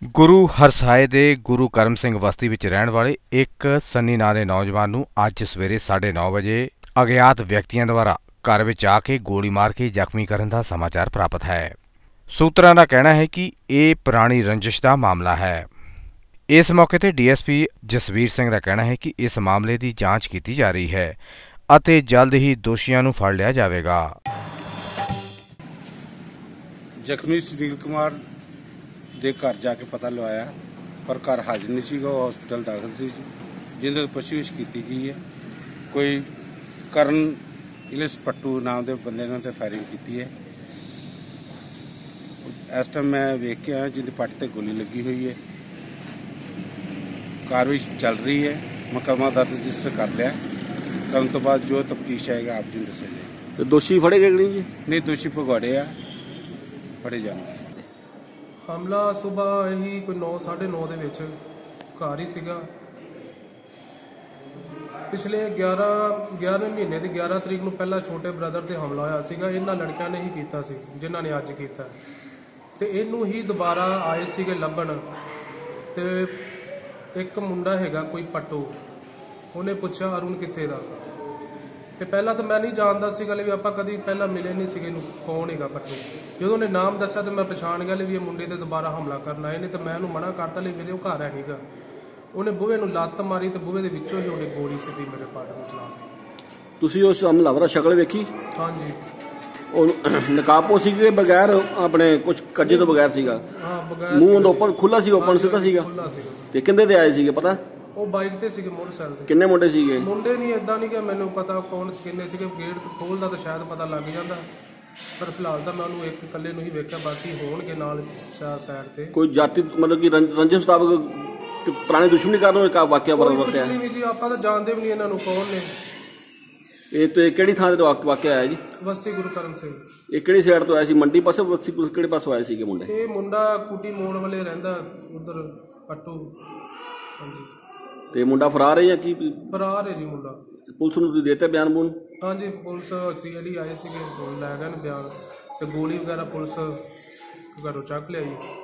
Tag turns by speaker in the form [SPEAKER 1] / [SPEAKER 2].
[SPEAKER 1] ਗੁਰੂ ਹਰਸਾਏ ਦੇ ਗੁਰੂ ਕਰਮ ਸਿੰਘ ਬਸਤੀ ਵਿੱਚ ਰਹਿਣ ਵਾਲੇ ਇੱਕ ਸੰਨੀ ਨਾਂ ਦੇ ਨੌਜਵਾਨ ਨੂੰ ਅੱਜ ਸਵੇਰੇ 9:30 ਵਜੇ ਅਗਿਆਤ ਵਿਅਕਤੀਆਂ ਦੁਆਰਾ ਘਰ ਵਿੱਚ ਆ ਕੇ ਗੋਲੀ ਮਾਰ ਕੇ ਜ਼ਖਮੀ ਕਰਨ ਦਾ ਸਮਾਚਾਰ ਪ੍ਰਾਪਤ ਹੈ। ਸੂਤਰਾਂ ਦਾ ਕਹਿਣਾ ਹੈ ਕਿ ਇਹ ਪੁਰਾਣੀ ਰੰਜਿਸ਼ ਦਾ ਮਾਮਲਾ ਹੈ। ਇਸ ਮੌਕੇ ਤੇ ਡੀਐਸਪੀ ਜਸਵੀਰ ਸਿੰਘ ਦਾ ਕਹਿਣਾ ਹੈ ਕਿ ਇਸ ਮਾਮਲੇ ਦੀ ਜਾਂਚ ਕੀਤੀ ਜਾ ਰਹੀ ਹੈ ਅਤੇ ਜਲਦ ਹੀ ਦੋਸ਼ੀਆਂ ਨੂੰ ਫੜ ਲਿਆ ਜਾਵੇਗਾ।
[SPEAKER 2] ਜ਼ਖਮੀ ਸੁਨੀਲ ਕੁਮਾਰ ਦੇ ਘਰ ਜਾ ਕੇ ਪਤਾ ਲਵਾਇਆ, ਪਰ ਘਰ ਹਾਜ਼ਰ ਨਹੀਂ ਸੀਗਾ, ਉਹ ਹਸਪਤਾਲ ਦਾਖਲ ਸੀ, ਜਿਹਦੇ ਪੁੱਛਗਿੱਛ ਕੀਤੀ ਗਈ ਹੈ। ਕੋਈ ਕਰਨ ਇਲਿਸ ਪੱਟੂ ਨਾਮ ਦੇ ਬੰਦੇ ਨੇ ਤੇ ਫਾਇਰਿੰਗ ਕੀਤੀ ਹੈ। ਇਸ ਟਾਈਮ ਮੈਂ ਵੇਖ ਕੇ ਆਇਆ ਜਿਹਦੀ ਪੱਟ ਤੇ ਗੋਲੀ ਲੱਗੀ ਹੋਈ ਹੈ। ਕਾਰਵਾਈ ਚੱਲ ਰਹੀ ਹੈ, ਮੁਕੱਦਮਾ ਦਰਜ ਰਜਿਸਟਰ ਕਰ ਲਿਆ। ਕਰਨ ਤੋਂ ਬਾਅਦ ਜੋ ਤਫਤੀਸ਼ ਆਏਗਾ ਆਪ ਜੀ ਨੂੰ ਦੱਸਾਂਗੇ।
[SPEAKER 3] ਤੇ ਦੋਸ਼ੀ ਫੜੇ ਗਏ ਜੀ?
[SPEAKER 2] ਨਹੀਂ, ਦੋਸ਼ੀ ਭਗੌੜੇ ਆ, ਫੜੇ ਜਾਣਗੇ।
[SPEAKER 4] ਹਮਲਾ ਸੁਬਾਹ ਇਹੀ ਕੋਈ 9:30 ਦੇ ਵਿੱਚ ਘਰ ਹੀ ਸੀਗਾ। ਪਿਛਲੇ 11ਵੇਂ ਮਹੀਨੇ ਦੀ 11 ਤਰੀਕ ਨੂੰ ਪਹਿਲਾਂ ਛੋਟੇ ਬ੍ਰਦਰ ਤੇ ਹਮਲਾ ਹੋਇਆ ਸੀਗਾ। ਇਹਨਾਂ ਲੜਕਿਆਂ ਨੇ ਹੀ ਕੀਤਾ ਸੀ ਜਿਨ੍ਹਾਂ ਨੇ ਅੱਜ ਕੀਤਾ, ਤੇ ਇਹਨੂੰ ਹੀ ਦੁਬਾਰਾ ਆਏ ਸੀਗੇ ਲੱਭਣ। ਤੇ ਇੱਕ ਮੁੰਡਾ ਹੈਗਾ ਕੋਈ ਪੱਟੂ, ਉਹਨੇ ਪੁੱਛਿਆ ਅਰੁਣ ਕਿੱਥੇ ਦਾ, ਤੇ ਪਹਿਲਾਂ ਤਾਂ ਮੈਂ ਨਹੀਂ ਜਾਣਦਾ ਸੀਗਾ ਵੀ ਆਪਾਂ ਕਦੀ ਪਹਿਲਾਂ ਮਿਲੇ ਨਹੀਂ ਸੀਗੇ ਇਹਨੂੰ ਕੌਣ ਹੈਗਾ ਪੱਟੂ। ਜਦੋਂ ਉਹਨੇ ਨਾਮ ਦੱਸਿਆ ਤਾਂ ਮੈਂ ਪਛਾਣ ਗਿਆ ਵੀ ਇਹ ਮੁੰਡੇ ਤੇ ਦੁਬਾਰਾ ਹਮਲਾ ਕਰਨ ਆਏ ਨੇ, ਤੇ ਮੈਂ ਉਹਨੂੰ ਮਨਾ ਕਰਤਾ ਲਈ ਮੇਰੇ ਉਹ ਘਰ ਹੈ ਨਹੀਂਗਾ। ਉਹਨੇ ਬੂਹੇ ਨੂੰ ਲੱਤ ਮਾਰੀ ਤੇ ਬੂਹੇ ਦੇ ਵਿੱਚੋਂ ਹੀ ਉਹਨੇ ਗੋਲੀ ਸਿੱਧੀ ਮੇਰੇ ਪੱਟ ਨੂੰ ਚਲਾ ਦਿੱਤੀ।
[SPEAKER 3] ਤੁਸੀਂ ਉਸ ਹਮਲਾਵਰ ਸ਼ਕਲ ਵੇਖੀ?
[SPEAKER 4] ਹਾਂਜੀ।
[SPEAKER 3] ਉਹ ਨਕਾਬੋ ਸੀਗੇ ਬਗੈਰ ਆਪਣੇ ਕੁਝ ਕੱਜੇ ਤੋਂ ਬਗੈਰ ਸੀਗਾ?
[SPEAKER 4] ਹਾਂ, ਬਗੈਰ।
[SPEAKER 3] ਮੂੰਹ ਓਪਨ ਖੁੱਲਾ ਸੀ? ਓਪਨ ਸਿੱਧਾ ਸੀਗਾ?
[SPEAKER 4] ਖੁੱਲਾ ਸੀਗਾ। ਤੇ
[SPEAKER 3] ਕਿੰਦੇ ਤੇ ਆਏ ਸੀਗੇ ਪਤਾ?
[SPEAKER 4] ਉਹ ਬਾਈਕ ਤੇ ਸੀਗੇ, ਮੋਟਰਸਾਈਕਲ ਤੇ।
[SPEAKER 3] ਕਿੰਨੇ ਮੁੰਡੇ ਸੀਗੇ?
[SPEAKER 4] ਮੁੰਡੇ ਨਹੀਂ, ਇਦਾਂ ਨਹੀਂ ਕਿ ਮੈਨੂੰ ਪਤਾ ਕੌਣ ਕਿੰਨੇ ਸੀਗੇ। ਗੇਟ ਖੋਲਦਾ ਤਾਂ ਸ਼ਾਇਦ ਪਤਾ ਲੱਗ ਜਾਂਦਾ, ਪਰ ਫਿਲਹਾਲ ਤਾਂ ਮੈਂ ਉਹਨੂੰ ਇੱਕ ਇਕੱਲੇ ਨੂੰ ਹੀ ਵੇਖਿਆ, ਬਾਕੀ ਹੋਣਗੇ ਨਾਲ ਸਾਈਡ ਤੇ। ਕੋਈ
[SPEAKER 3] ਜਾਤੀ ਮਤਲਬ ਕਿ ਰੰਜਿਸ਼ ਮੁਤਾਬਕ ਪੁਰਾਣੀ ਦੁਸ਼ਮਣੀ ਕਾਰਨ ਇੱਕ ਵਾਕਿਆ ਵਾਪਰਿਆ?
[SPEAKER 4] ਨਹੀਂ ਜੀ, ਆਪਾਂ ਤਾਂ ਜਾਣਦੇ ਵੀ ਨਹੀਂ ਇਹਨਾਂ ਨੂੰ ਕੌਣ ਨੇ।
[SPEAKER 3] ਇਹ ਤੇ ਕਿਹੜੀ ਥਾਂ ਤੇ ਵਾਕਿਆ ਆਇਆ ਜੀ?
[SPEAKER 4] ਬਸਤੀ ਗੁਰੂ ਕਰਮ ਸਿੰਘ।
[SPEAKER 3] ਇਹ ਕਿਹੜੀ ਸਾਈਡ ਤੋਂ ਆਇਆ ਸੀ? ਮੰਡੀ ਪਾਸੇ ਬਸਤੀ ਕਿਹੜੇ ਪਾਸੋਂ ਆਏ ਸੀਗੇ ਮੁੰਡੇ?
[SPEAKER 4] ਇਹ ਮੁੰਡਾ ਕੁੱਟੀ ਮੋੜ ਵਾਲੇ ਰਹਿੰਦਾ, ਉਧਰ ਪੱਟੂ। ਹਾਂਜੀ। ਤੇ
[SPEAKER 3] ਮੁੰਡਾ ਫਰਾਰ ਹੈ ਜਾਂ ਕੀ?
[SPEAKER 4] ਫਰਾਰ ਹੈ ਜੀ ਮੁੰਡਾ।
[SPEAKER 3] ਪੁਲਿਸ ਨੂੰ ਤੁਸੀਂ ਦੇਤੇ ਬਿਆਨ ਬੂਨ?
[SPEAKER 4] ਹਾਂਜੀ, ਪੁਲਿਸ ਸੀਆਈਡੀ ਆਏ ਸੀਗੇ, ਲੈ ਗਏ ਬਿਆਨ, ਤੇ ਗੋਲੀ ਵਗੈਰਾ ਪੁਲਿਸ ਘਰੋਂ ਚੱਕ ਲਿਆਈ।